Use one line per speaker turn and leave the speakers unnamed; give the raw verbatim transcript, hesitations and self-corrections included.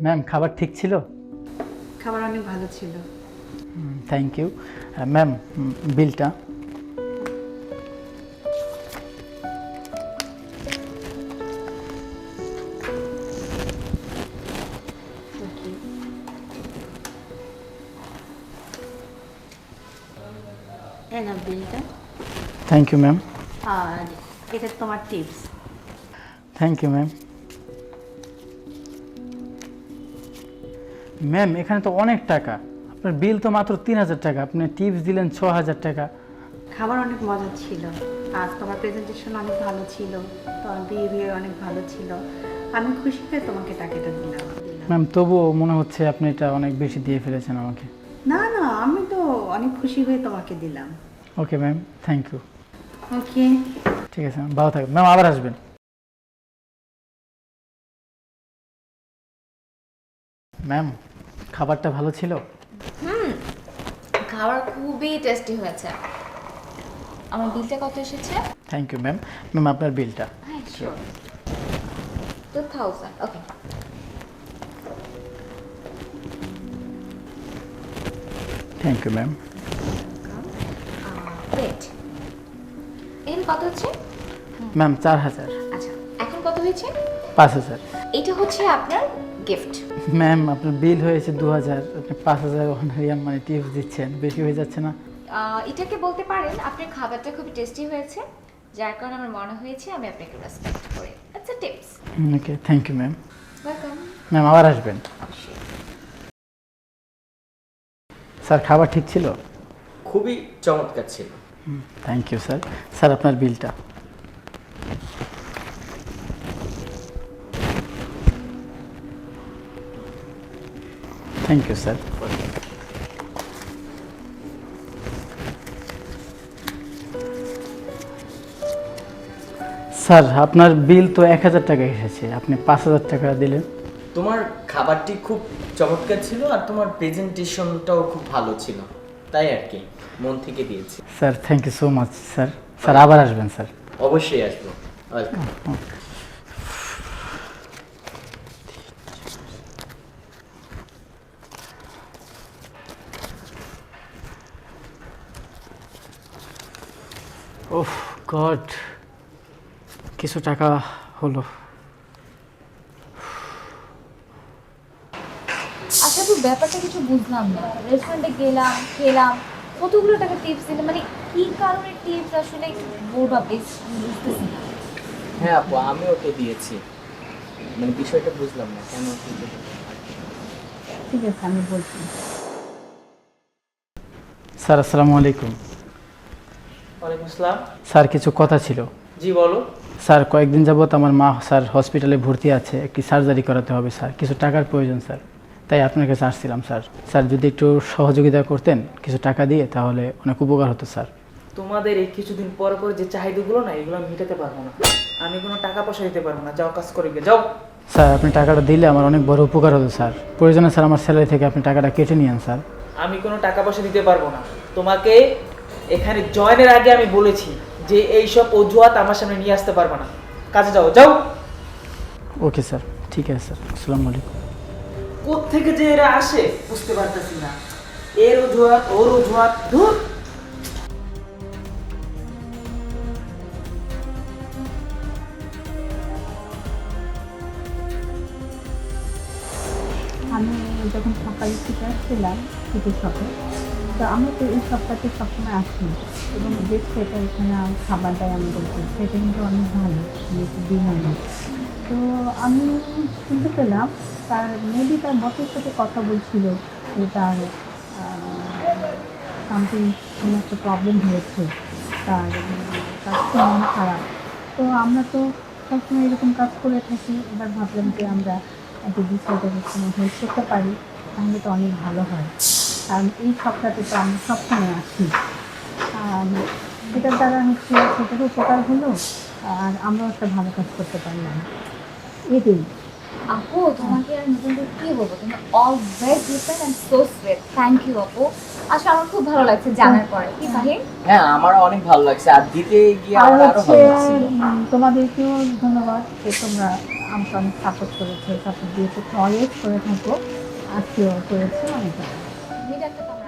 Ma'am খাবার ঠিক ছিল?
খাবার অনেক ভালো ছিল।
Thank you ma'am. বিলটা।
এই নাও বিলটা।
Thank you ma'am.
আর এটা তোমার tips.
Thank you ma'am. Ma'am এখানে তো অনেক টাকা, আপনার বিল তো মাত্র তিন হাজার টাকা, আপনি টিপস দিলেন ছ হাজার টাকা।
খাবার অনেক মজা ছিল, আর তোমার প্রেজেন্টেশন অনেক ভালো ছিল, তোমার বিহেভিয়ার অনেক ভালো ছিল। আমি খুশি হয়ে তোমাকে টাকাটা দিলাম।
ম্যাম তবুও মনে হচ্ছে আপনি এটা অনেক বেশি দিয়ে ফেলেছেন আমাকে।
না না, আমি তো অনেক খুশি হয়ে তোমাকে দিলাম।
Okay ma'am, thank you.
Okay,
ঠিক আছে ম্যাম, ভালো থাকবেন ম্যাম, আবার আসবেন। ম্যাম খাবারটা ভালো ছিল?
হুম, খাবার খুবই টেস্টি হয়েছে। আমার বিলটা কত এসেছে?
Thank you ma'am. ম্যাম আপনার বিলটা।
হ্যাঁ sure, two thousand. Okay,
thank you ma'am.
Wait, এখানে কত হচ্ছে?
ম্যাম চার হাজার।
আচ্ছা, এখন কত হয়েছে?
পাঁচ হাজার।
এটা হচ্ছে আপনার গিফট।
ম্যাম আপনার বিল হয়েছে দু হাজার, আপনি পাঁচ হাজার অনারিয়াম মানে টিপস দিচ্ছেন, বেশি হয়ে যাচ্ছে না?
এটাকে বলতে পারেন আপনার খাবারটা খুবই টেস্টি হয়েছে, যার কারণে আমার মনে হয়েছে আমি আপনাকে রেসপেক্ট করি। আচ্ছা tips.
Okay thank you ma'am.
Welcome.
Ma'am আবার আসবেন।
অবশ্যই।
স্যার খাবার ঠিক ছিল?
খুবই চমৎকার ছিল।
Thank you sir. স্যার আপনার বিলটা। Thank you sir. স্যার আপনার বিল তো এক হাজার টাকা এসেছে, আপনি পাঁচ হাজার টাকা দিলেন।
তোমার খাবারটি খুব চমৎকার ছিল আর তোমার প্রেজেন্টেশনটাও খুব ভালো ছিল, তাই আর কি মন থেকে দিয়েছি।
Sir thank you so much sir. Sir আবার আসবেন স্যার।
অবশ্যই আসবো। ওয়েলকাম।
ওহ গড, কিছু টাকা হলো।
আচ্ছা তো ব্যাপারটা কিছু বুঝলাম না, রেস্টুরেন্টে গেলাম, খেলাম, কতগুলো টাকা টিপস দিলাম, মানে কি কারণে টিপস আসলে বলবা বেশ বুঝতেছি না।
হ্যাঁ আপু, আমিও তো দিয়েছি, মানে বিষয়টা বুঝলাম না কেন কি দিলে।
ঠিক আছে আমি বলছি।
স্যার আসসালামু আলাইকুম।
ওয়ালাইকুম আসসালাম।
স্যার কিছু কথা ছিল।
জি বলো।
স্যার কয়েকদিন যাবত আমার মা স্যার হসপিটালে ভর্তি আছে, একটি সার্জারি করাতে হবে স্যার, কিছু টাকার প্রয়োজন স্যার, তাই আপনার কাছে আসছিলাম স্যার। স্যার যদি একটু সহযোগিতা করতেন কিছু টাকা দিয়ে তাহলে অনেক উপকার হতো স্যার।
তোমাদের এই কিছুদিন পর পর যে চাহিদাগুলো না, এগুলো আমি মেটাতে পারবো না। আমি কোনো টাকা পয়সা দিতে পারবো না, যাও কাজ করে গিয়ে যাও।
স্যার আপনি টাকাটা দিলে আমার অনেক বড় উপকার হতো স্যার, প্রয়োজনে স্যার আমার স্যালারি থেকে আপনি টাকাটা কেটে নিয়েন স্যার।
আমি কোনো টাকা পয়সা দিতে পারবো না। তোমাকে এখানে জয়েনের আগে আমি বলেছি যে এইসব অজুহাত আমার সামনে নিয়ে আসতে পারবো না। কাজে যাও, যাও।
ওকে স্যার, ঠিক আছে স্যার, আসসালামু আলাইকুম।
কোত্থেকে যে এরা আসে বুঝতে পারতেছি না, এর অজুহাত ওর অজুহাত, ধুর।
আমি যখন সকালে থেকে আসছিলাম শীতের শপে, তো আমরা তো এই সপ্তাহে সবসময় আসি এবং যে সেটা এখানে খাবার দেয় আমাদেরকে, সেটা কিন্তু অনেক ভালো বিরিয়ানি। তো আমি শুনতে পেলাম তার মেবি তার বসের সাথে কথা বলছিল যে তার সামথিং কোনো একটা প্রবলেম হয়েছে, তার তার খুব মন খারাপ। তো আমরা তো সবসময় এরকম কাজ করে থাকি, এবার ভাবলাম যে আমরা যদি সেটাকে কোনো হেল্প করতে পারি তাহলে তো অনেক ভালো হয়, কারণ এই সপ্তাহে তো আমরা সবসময় আসি। সেটার দ্বারা হচ্ছে সেটারও উপকার হলো, আর আমরাও একটা ভালো কাজ করতে পারলাম, এটাই।
আপু তোমাকে আর নতুন করে কি বলবো, তুমি always different and so sweet. Thank you আপু, আসলে আমার খুব ভালো লাগছে জানার পরে। কি ফাহিম?
হ্যাঁ আমার অনেক ভালো লাগছে, আর দিতে গিয়ে
আর
আমার আরো
হচ্ছে
ভালো লাগছে।
উম, তোমাদেরকেও ধন্যবাদ যে তোমরা আমাকে অনেক সাপোর্ট করেছে, সাপোর্ট দিয়েছে, অলওয়েজ করে থাকো, আজকেও করেছে অনেক ভালো।
মেয়েটা একটা